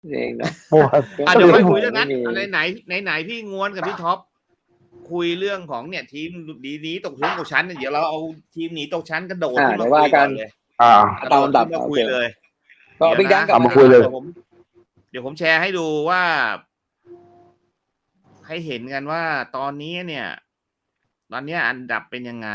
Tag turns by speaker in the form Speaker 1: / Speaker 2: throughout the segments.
Speaker 1: เองเนาะ
Speaker 2: เมื่อวาน
Speaker 3: เดี๋ยวค่อยคุยเรื่องนั้น
Speaker 1: ไม่มี
Speaker 3: ไหนพี่ง้วนกับพี่ท็อปคุยเรื่องของเนี่ยทีมดีนี้ตกชั้นเดี๋ยวเราเอาทีมหนีตกชั้นกระโดดขึ้นมาคุยกันเลย
Speaker 1: ตามลำดับ
Speaker 3: มาคุยเลย
Speaker 1: ก็บิ๊กดังกลับ
Speaker 2: เอามาคุยเลย
Speaker 3: เดี๋ยวผมแชร์ให้ดูว่า ให้เห็นกันว่าตอนนี้เนี่ย ตอนนี้อันดับเป็นยังไง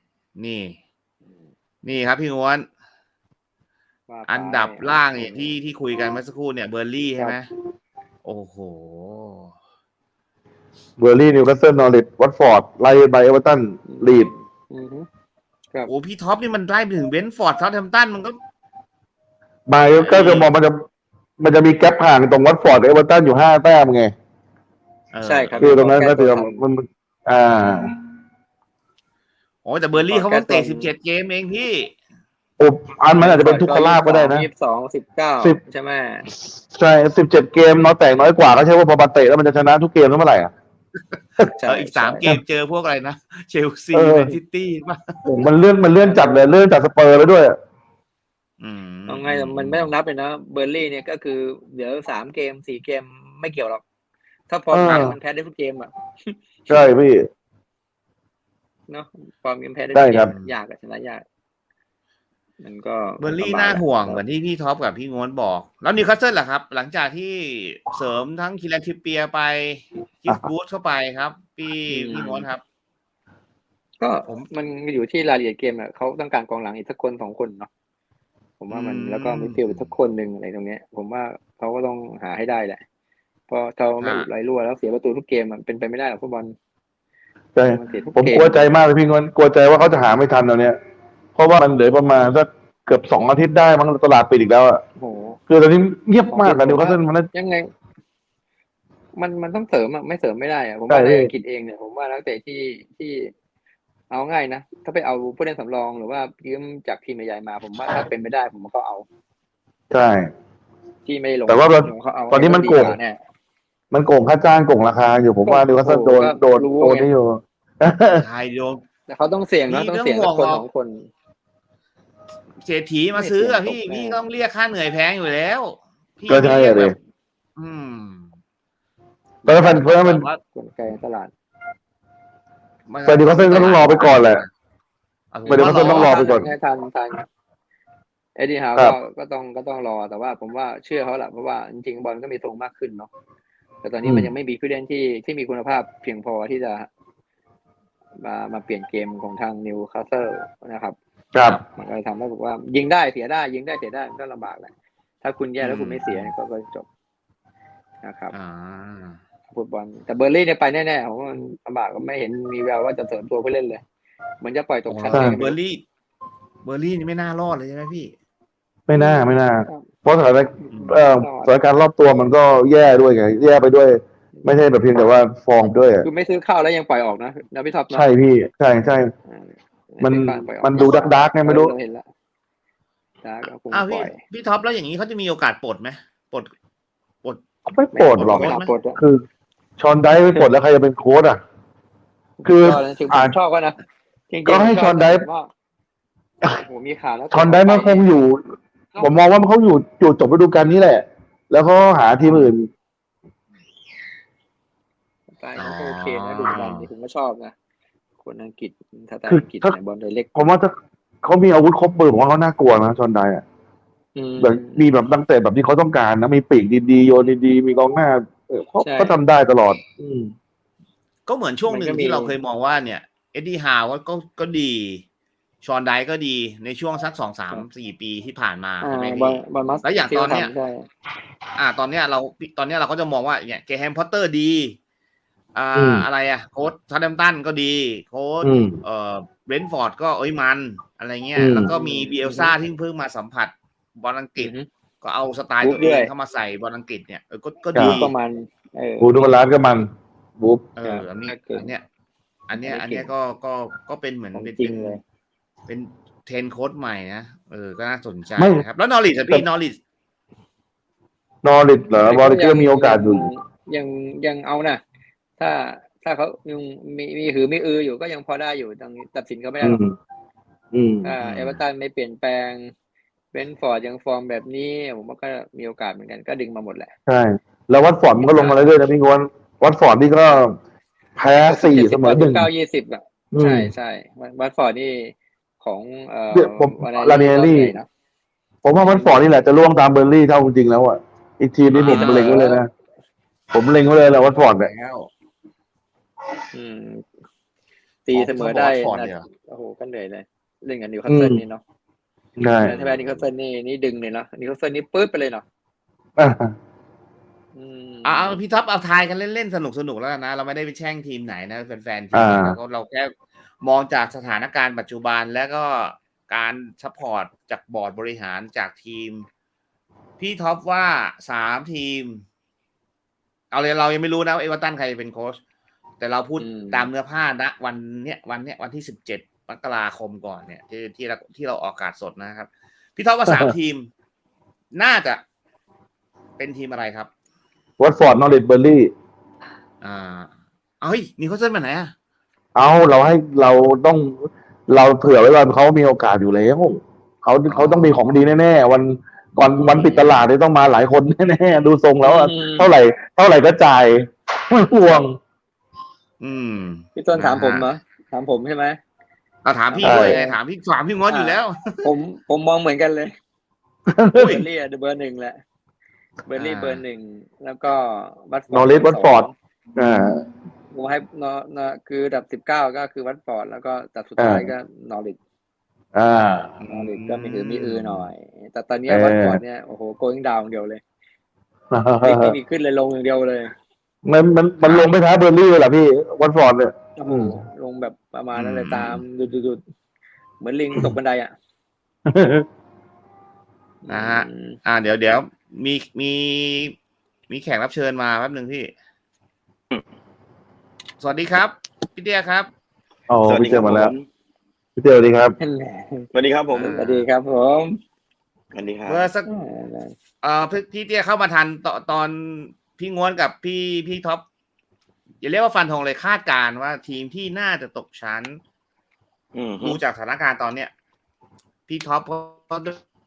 Speaker 3: นี่ครับพี่ง้วนอันดับล่างเนี่ยที่คุยกันเมื่อสักครู่เนี่ยเบอร์ลี่ใช่ไหมโอ้โห
Speaker 2: เบอร์ลี่นิวคาสเซิลนอริทวัตฟอร์ดไล่ไปเอเวอร์ตันลีด
Speaker 3: โอ้พี่ท็อปนี่มันไล่ไปถึงเบนฟอร์ดเซาท์แฮมป์ตันมันก็
Speaker 2: มาก็คือมองมันจะมีแกลบห่างตรงวัตฟอร์ดกับเอเวอร์ตันอยู่5 แต้มไง
Speaker 1: ใช่ครับ
Speaker 2: คือตรงนั้นก็ถือมัน
Speaker 3: โอ้แต่เบอร์ลี่เขาเพิ่งเตะ17 เกมเองพี่
Speaker 2: อันมันอาจจะเป็นทุกขลาภก็ได้นะ
Speaker 1: 22 19ใช่ไหม
Speaker 2: ใช่17 เกมน้อยกว่าก็ใช่ว่าพอมาเตะแล้วมันจะชนะทุกเกมเมื่อไหร่อ่ะ
Speaker 3: อีก3 เกมเจอพวกอะไรนะเชลซีแมนซิตี้ป่ะ
Speaker 2: มันเลื่อนจัดเลยเลื่อนจากสเปอร์ไปด้วย
Speaker 1: เอาไงมันไม่ต้องนับเลยนะเบอร์ลี่เนี่ยก็คือเดี๋ยว3 เกม 4 เกมไม่เกี่ยวหรอกถ้าฟอร์มมันแพ้ได้ทุกเกมอ่ะ
Speaker 2: ใช่พี่
Speaker 1: เนาะฟอร์มมันแพ้ได้ยากชนะยากมันก็
Speaker 3: เบอร์ลี่น่าห่วงเหมือนที่พี่ท็อปกับพี่ง้วนบอกแล้วนิวคาสเซิลล่ะครับหลังจากที่เสริมทั้งคิรันทริปเปียร์ไปคิฟบูธเข้าไปครับพี่ง้วนครับ
Speaker 1: ก็มันอยู่ที่รายละเอียดเกมอ่ะเขาต้องการกองหลังอีกสักคน2 คนเนาะผมว่ามันแล้วก็มีฟิลสักคนหนึ่งอะไรตรงนี้ผมว่าเขาก็ต้องหาให้ได้แหละพอเขาไม่ไหลรั่วแล้วเสียประตูทุกเกมมันเป็นไปไม่ได้หรอกฟุตบอล
Speaker 2: ใช่ผมกลัวใจมากเลยพี่ง้วนกลัวใจว่าเขาจะหาไม่ทันตอนเนี้ยเพราะว่ามันเหลือประมาณสักเกือบ2 อาทิตย์ได้มั้งตลาดปิดอีกแล้วอ่ะคือตอนนี้เงียบมากอะนิวคาสเซิลมัน
Speaker 1: ยังไงมันต้องเสริมอ่ะไม่เสริมไม่ได้อ่ะผมว่าในอังกฤษเองเนี่ยผมว่านักเตะที่เอาง่ายนะถ้าไปเอาผู้เล่นสำรองหรือว่ายืมจากทีมใหญ่มาผมว่าถ้าเป็นไม่ได้ผมก็เอา
Speaker 2: ใช่
Speaker 1: ที่ไม่ลง
Speaker 2: แต่ว่าตอนนี้มันโกงค่าจ้างโกงราคาอยู่ผมว่านิวคาสเซิลโดนนี่อยู่
Speaker 3: ใช่โดน
Speaker 1: แต่เขาต้องเสี่ยงนะต้องเสี่ยงคน2 คน
Speaker 3: เศรษฐีมาซื้ออะพี่ต้องเรียกค่าเหนื่อยแพงอยู่แล้ว
Speaker 2: ก็ใช่เลย
Speaker 1: แล้วเพราะมันกลไกตลาด
Speaker 2: แต่นิวคาสเซิลก็ต้องรอไปก่อนแหละนิวคาสเซิลต้องรอไปก่อน
Speaker 1: ทันเอ็ดดี้ฮาวก็ต้องรอแต่ว่าผมว่าเชื่อเขาแหละเพราะว่าจริงๆบอลก็มีทรงมากขึ้นเนาะแต่ตอนนี้มันยังไม่มีผู้เล่นที่มีคุณภาพเพียงพอที่จะมาเปลี่ยนเกมของทางนิวคาสเซิลนะครับ
Speaker 2: ครับ
Speaker 1: มันก็ทำให้บอกว่ายิงได้เสียได้ยิงได้เสียได้มันก็ลำบากแหละถ้าคุณแย่แล้วคุณไม่เสียก็จบนะครับฟุตบอลแต่เบอร์ลี่เนี่ยไปแน่ๆผมว่ามันลำบากก็ไม่เห็นมีแววว่าจะเสริมตัวผู้เล่นเลยเหมือนจะปล่อยตกชั้น
Speaker 3: เบอร์ลี่นี่ไม่น่ารอดเลยใช่ไหมพี่
Speaker 2: ไม่น่าเพราะสถานการณ์รอบตัวมันก็แย่ด้วยไงแย่ไปด้วยไม่ใช่แบบเพียงแต่ว่าฟอร์มด้วย
Speaker 1: คือไม่ซื้อข้าวแล้วยังปล่อยออกนะพี่ท็อป
Speaker 2: ใช่พี่ใช่มันดูดักไงไม่รู้
Speaker 1: เห็นแล้ว
Speaker 3: พี่ท็อปแล้วอย่างนี้เขาจะมีโอกาสปลดไหมปลด
Speaker 2: ไม่ปลดหรอกคือชอนไดไม่ปลดแล้วใครจะเป็นโค้ชอ่ะคือ
Speaker 1: ชอบก็นะ
Speaker 2: ก็ให้ชอนได
Speaker 1: โอ้มีขาแล้ว
Speaker 2: ชอนไดมันคงอยู่ผมมองว่าเขาอยู่จบฤดูกาลนี้แหละแล้วเขาหาทีมอื่น
Speaker 1: โอเคนะดูบอลที่ผมก็ชอบนะคนอังกฤษถ้าอังกฤษในบอลโดยเล็ก
Speaker 2: ผมว่าถ้าเขามีอาวุธครบมือผมว่าเขาน่ากลัวนะชอนไดอ่ะแบบมีแบบตั้งแต่แบบที่เขาต้องการนะมีปีกดีๆโยนดีๆมีกองหน้าเขาทำได้ตลอด
Speaker 3: ก็เหมือนช่วงหนึ่งที่เราเคยมองว่าเนี่ยเอ็ดดี้ฮาวก็ดีชอนไดก็ดีในช่วงสัก2-3-4 ปีที่ผ่านมาใช่ไหมพี่แล้วอย่างตอนเนี้ยตอนเนี้ยเราก็จะมองว่าเนี่ยเกแฮมพอตเตอร์ดีอะไรโค้ชซาร์แฮมป์ตันก็ดีโค้ชเบรนท์ฟอร์ดก็มันอะไรเงี้ยแล้วก็มีบิเอลซ่าที่เพิ่งมาสัมผัสบอลอังกฤษก็เอาสไตล์ตัวเองเข้ามาใส่บอลอังกฤษเนี่ยก็ดี
Speaker 1: ประมาณ
Speaker 2: บูดูบาลานก็มันบุ๊บ
Speaker 3: อันนี้ก็เป็นเหมือนเป็นเทรนโค้ชใหม่นะก็น่าสนใจนะครับแล้วนอริชพี่นอริช
Speaker 2: เหรอบอลก็มีโอกาสอยู่
Speaker 1: ยังเอานะถ้าเขายังมีหือมีอยู่ก็ยังพอได้อยู่ตัดสินเขาไม่ได้หรอกเอเวอร์ตันไม่เปลี่ยนแปลงเบนฟอร์ดยังฟอร์มแบบนี้ผมว่าก็มีโอกาสเหมือนกันก็ดึงมาหมดแหละ
Speaker 2: ใช่แล้ววัตฟอร์ดมันก็ลงมาเรื่อยๆนะพี่งวนวัตฟอร์ดนี่ก็แพ้4 เสมอ 1
Speaker 1: 9-20อ่ะใช่ใช่วัตฟอร์ดนี่ของ
Speaker 2: ผม
Speaker 1: วา
Speaker 2: ลาเนีย
Speaker 1: รอบ
Speaker 2: รี่
Speaker 1: ใหญ่เนาะ
Speaker 2: ผมว่าวัตฟอร์ดนี่แหละจะล่วงตามเบอร์ลี่เท่าจริงๆแล้วอ่ะอีกทีมนี้ผมเล็งไว้เลยนะผมเล็งไว้เลยแหละวัตฟอร์ดเนี่ย
Speaker 1: ตีเสมอได้
Speaker 3: ฟอร์ดเนี่ย
Speaker 1: โอ้โหก็เหนื่อยเลยเล่นกับนิวคาสเซิลนี่เนาะ
Speaker 2: ใช่
Speaker 1: ถ้าแพ้นิวคาสเซิลนี่ดึงเลยเนาะนิวคาสเซิลนี่ปื๊ดไปเลยเนาะ
Speaker 3: เอาพี่ท็อปเอาทายกันเล่นๆสนุกแล้วกันนะเราไม่ได้ไปแช่งทีมไหนนะแฟนๆทีมแล้วก็เราแค่มองจากสถานการณ์ปัจจุบันแล้วก็การซัพพอร์ตจากบอร์ดบริหารจากทีมพี่ท็อปว่า3 ทีมเอาเลยเรายังไม่รู้นะเอเวอร์ตันใครเป็นโค้ชแต่เราพูดตามเนื้อผ้านะวันที่17 มกราคมก่อนเนี่ยที่เราออกอากาศสดนะครับพี่ท็อปว่า3 ทีมน่าจะเป็นทีมอะไรครับ
Speaker 2: วัตฟอร์ดนอริทเบอร์ลี่
Speaker 3: เฮ้ยนิวคาสเซิลมาไหนอ่ะ
Speaker 2: เราเผื่อไว้ว่าเขามีโอกาสอยู่แล้วเขาต้องมีของดีแน่ๆวันปิดตลาดเนี่ยต้องมาหลายคนแน่ๆดูทรงแล้วเท่าไหร่ก็จ่ายไม่ห่วง
Speaker 1: พี่ต้นถามผมเหรอถามผมใช่ไหม
Speaker 3: ถามพี่ด้วยถามพี่งอนอยู่แล้ว
Speaker 1: ผมมองเหมือนกันเลยเบอร์ลี่เบอร์ 1แหละเบอร์ลี่เบอร์ 1แล้วก็วัตฟอร์ด
Speaker 2: นอริทวัตฟอร์ด
Speaker 1: ผมให้คือดับ19ก็คือวัตฟอร์ดแล้วก็ดับสุดท้ายก็นอริทนอริทก็มีหน่อยแต่ตอนนี้วัตฟอร์ดเนี่ยโอ้โหโกอิงดาวน์เดียวเลยไม่มีขึ้นเลยลงอย่างเดียวเลย
Speaker 2: มันลงไม่ท้าเบอร์ลี่เลยเหรอพี่วัตฟอร์ดเนี่ย
Speaker 1: ลงแบบประมาณนั้นเลยตามดูเหมือนลิงตกบันไดอ่ะ
Speaker 3: นะฮะเดี๋ยวมีแขกรับเชิญมาแป๊บนึงพี่สวัสดีครับพี่เตี้ยครับ
Speaker 2: พี่เตี้ยมาแล้วพี่เตี้ยสวัสดีครับ
Speaker 4: สวัสดีครับผม
Speaker 1: สวัสดีครับผม
Speaker 4: สวัสดีครับ
Speaker 3: เมื่อสักพี่เตี้ยเข้ามาทันตอนพี่ง้วนกับพี่ท็อปอย่าเรียกว่าฟันธงเลยคาดการณ์ว่าทีมที่น่าจะตกชั้นดูจากสถานการณ์ตอนเนี้ยพี่ท็อปก็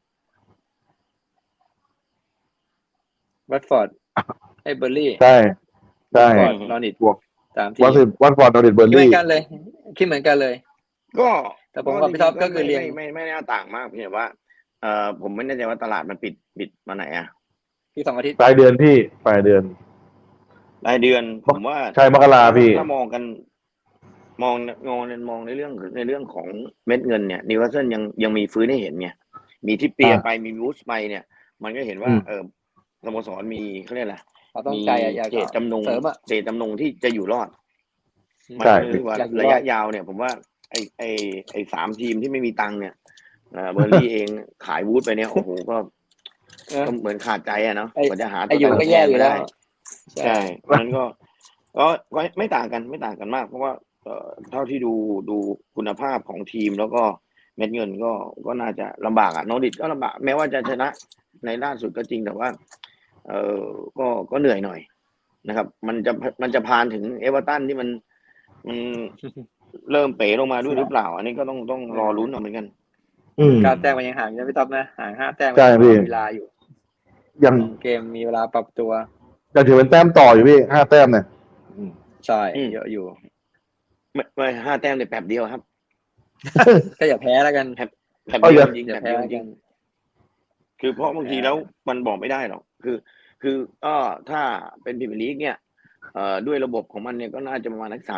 Speaker 1: วัตฟอร์ดไอ้เบอร์ลี่
Speaker 2: ใช่
Speaker 1: นอริท
Speaker 2: บวก
Speaker 1: 3 ทีม
Speaker 2: วัตฟอร์ดนอริทเบอร์ลี่
Speaker 1: เหมือนกันเลยคิดเหมือนกันเลย
Speaker 4: ก็
Speaker 1: แต่ผมกับพี่ท็อปก็คือเรียง
Speaker 4: ไม่น่าต่างมากเพียงว่าผมไม่แน่ใจว่าตลาดมันปิดมาไหนอ่ะ
Speaker 1: ที่2 อาทิตย์
Speaker 2: ปลายเดือนพี่ปลายเดือน
Speaker 4: ผมว่า
Speaker 2: ใช่มกราพี่
Speaker 4: ถ้ามองกันมองในเรื่องของเม็ดเงินเนี่ยนิวคาสเซิลยังมีฟื้นให้เห็นไงมีที่เปียไปมีวูดส์ไปเนี่ยมันก็เห็นว่าสโมสรมีเขาเรียกอะไร
Speaker 1: มี
Speaker 4: เจตจำนงที่จะอยู่รอดมันคือว่าระยะยาวเนี่ยผมว่าไอ้3 ทีมที่ไม่มีตังค์เนี่ยเบอร์ลี่เองขายวูดไปเนี่ยโอ้โหก็เหมือนขาดใจอะเนาะกว่าจะหาตัว
Speaker 1: ก็แย่อยู่แล้ว
Speaker 4: ใช่มันก็ไม่ต่างกันมากเพราะว่าเท่าที่ดูคุณภาพของทีมแล้วก็เม็ดเงินก็น่าจะลำบากนอริทก็ลำบากแม้ว่าจะชนะในล่าสุดก็จริงแต่ว่าก็เหนื่อยหน่อยนะครับมันจะพานถึงเอเวอร์ตันที่มันเริ่มเป๋ลงมาด้วยหรือเปล่าอันนี้ก็ต้องรอลุ้นเหมือนกัน
Speaker 1: 9 แต้มมันยังห่างไม่ท็อปนะห่าง5 แต้ม
Speaker 2: มี
Speaker 1: เวลาอยู่
Speaker 2: ยัง
Speaker 1: เกมมีเวลาปรับตัว
Speaker 2: จะถือเป็นแต้มต่ออยู่พี่5 แต้มเนี่ย
Speaker 1: ใช่เยอะอยู่
Speaker 4: ไม่5 แต้มในแป๊บเดียวครับ
Speaker 1: ก็อย่าแพ้แล้วกัน
Speaker 4: แป๊บเดียวจริงแพ้จริงคือเพราะบางทีแล้วมันบอกไม่ได้หรอกคือก็ถ้าเป็นพรีเมียร์ลีกเนี่ยด้วยระบบของมันเนี่ยก็น่าจะประมาณ38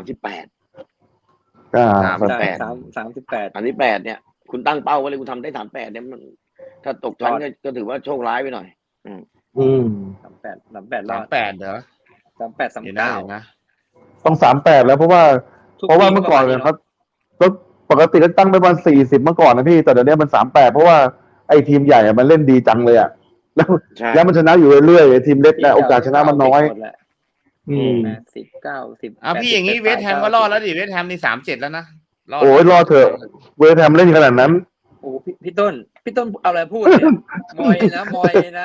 Speaker 4: เนี่ยคุณตั้งเป้าไว้เลยคุณทำได้38เนี่ยมันถ้าตกชั้นก็ถือว่าโชคร้ายไปหน่อย
Speaker 1: 38รอด
Speaker 3: 38เหรอ
Speaker 1: 38 39
Speaker 3: นะ
Speaker 2: ต้อง38แล้วเพราะว่าเมื่อก่อนเนี่ยครับปกติก็ตั้งไปประมาณ40เมื่อก่อนนะพี่แต่เดี๋ยวนี้มัน38เพราะว่าไอ้ทีมใหญ่มันเล่นดีจังเลยอ่ะแล้วมันชนะอยู่เรื่อยๆทีมเล็กเนี่ยโอกาสชนะมันน้อย
Speaker 1: 10 90
Speaker 3: พี่อย่างนี้เวสต์แฮมก็รอดแล้วดิเวสต์แฮมนี่37แล้วนะ
Speaker 2: โอ้ยรอดเถอะเวสต์แฮมเล่นขนาดนั้น
Speaker 1: โอ้พี่ต้นเอาอะไรพูดเนี่ยมอยนะ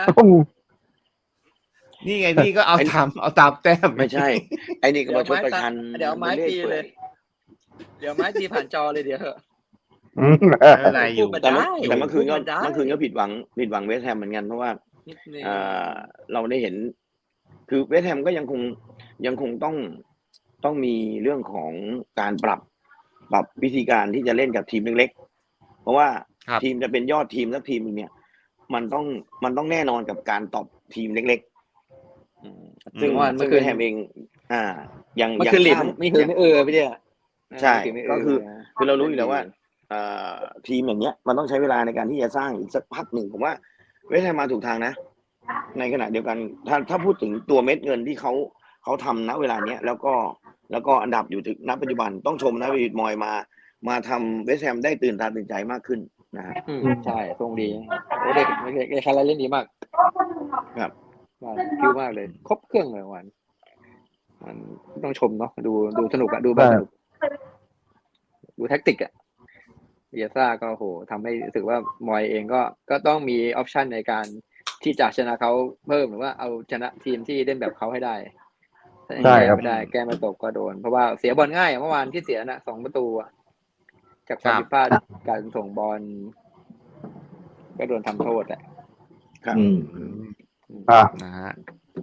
Speaker 3: นี่ไงพี่ก็เอาตามแต้ม
Speaker 4: ไม่ใช่ไอ้นี่ก็มาชดประชัน
Speaker 1: เดี๋ยวไม้ตีเลยเดี๋ยวไม้ตีผ่านจอเลยเดี๋ยว
Speaker 3: ไม่เป็นไรอยู่
Speaker 4: แต่เมื่อคืนก็ผิดหวังเวสต์แฮมเหมือนกันเพราะว่าเราได้เห็น คือเวสต์แฮมก็ยังคงต้องมีเรื่องของการปรับวิธีการที่จะเล่นกับทีมเล็กๆเพราะว่าทีมจะเป็นยอดทีมสักทีมนึงเนี่ยมันต้องแน่นอนกับการตอบทีมเล็กๆซึ่งเวสต์แฮมเองยัง
Speaker 1: คือหลิมไม่คือไม่พี่เดีย
Speaker 4: ใช่ก็คือเรารู้อยู่แล้วว่าทีมอย่างเงี้ยมันต้องใช้เวลาในการที่จะสร้างอีกสักพักหนึ่งผมว่าเวสต์แฮมมาถูกทางนะในขณะเดียวกันถ้าพูดถึงตัวเม็ดเงินที่เขาทำณเวลาเนี้ยแล้วก็อันดับอยู่ถึงณปัจจุบันต้องชมนะวิลมอยมาทำเวสต์แฮมได้ตื่นตาตื่นใจมากขึ้นนะฮะ
Speaker 1: ใช่ทรงดีโอ้เด็กคาราเล่นดีมาก
Speaker 4: ครับ
Speaker 1: คิวมากเลยครบเครื่องเลยวันมันต้องชมเนาะดูสนุกอะดูแบบสนุกดูแท็กติกอะเยซ่าก็โหทำให้รู้สึกว่ามอยเองก็ต้องมีออปชันในการที่จะชนะเขาเพิ่มหรือว่าเอาชนะทีมที่เล่นแบบเขาให้ได้
Speaker 2: ใช่ครับ
Speaker 1: ไม่ได้แก้ไม่ตกก็โดนเพราะว่าเสียบอลง่ายเมื่อวานที่เสียน่ะ2 ประตูจากความผิดพลาดการส่งบอลก็โดนทำโทษแหละ
Speaker 4: ครับ
Speaker 3: นะฮะ